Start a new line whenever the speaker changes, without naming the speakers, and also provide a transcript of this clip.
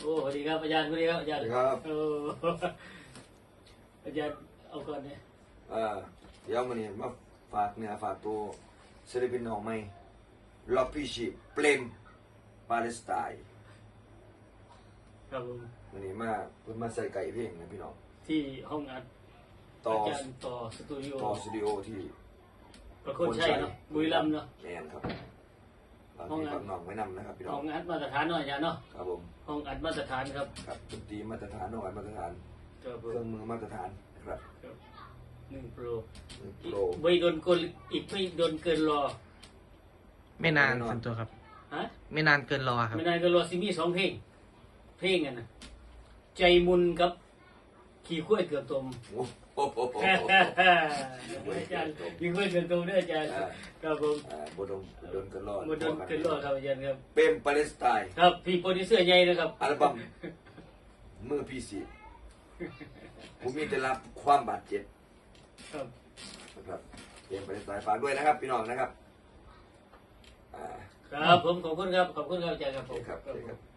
โอ้สวัสดีครับอาจารย์สวัสดีครับอาจารย์
ครับ
โอ้อาจารย์เอาก่อนเนี่ย
เดี๋ยวมันนี่มาฝากเนื้อฝากตัวศิลปินน้องใหม่ล็อกพี่ชีเปลมปาเลสไตน์
ครับผม
มันนี่มาเพิ่นมาใส่ไก่เพลงนะพี่น้อง
ที่ห้องอัด
ต่อ
อาจารย์ต่อสตูดิโอ
สตูดิโอที่
ประโคนชัยเนาะบุรีรัมย์เนาะ
แมนครับบางทีบางน้องไว้นำนะครับพี่น้
ห้
อ
อง งอัดมาตรฐานเนาะอาจารย์เนาะ
ครับผม
ห้องอัดมาตรฐานครับ
ครับดนตรีมาตรฐานน้องอัดมาตรฐาน
ครับผ
เครื่อง
ม
มือมาตรฐานนะครับ
1 โปร
โปร
ไม่โดนกลอีกไม่โดนเกินรอ
ไม่นานส่วนตัวครับ
ฮะ
ไม่นานเกินรอครับ
ไม่นานก็รอซิมี2 เพลงกันนะใจมุนกับขี่ข้วยเกือบตม
โอ้โห
อาจารย์ขี่ข้วยเกือบตมด้วยอาจารย์ครับผม
บดงโดนกันรอด
มาโดนเกินรอครับอาจารย์ครับ
เปลมปาเลสไตน์
ครับพี่โปรดิวเซอร์ใหญ่นะครับ
อัลบั้มมือพี่สีผมมีแต่รับความบาดเจ็บ
ครับ
นะครับเตรียมไปสายฝากด้วยนะครับ พี่น้องนะครับ
ครับผมขอบคุณครับขอบคุณครับอาจารย์ครับ
โอ
ผม
เคครับโอเคครับ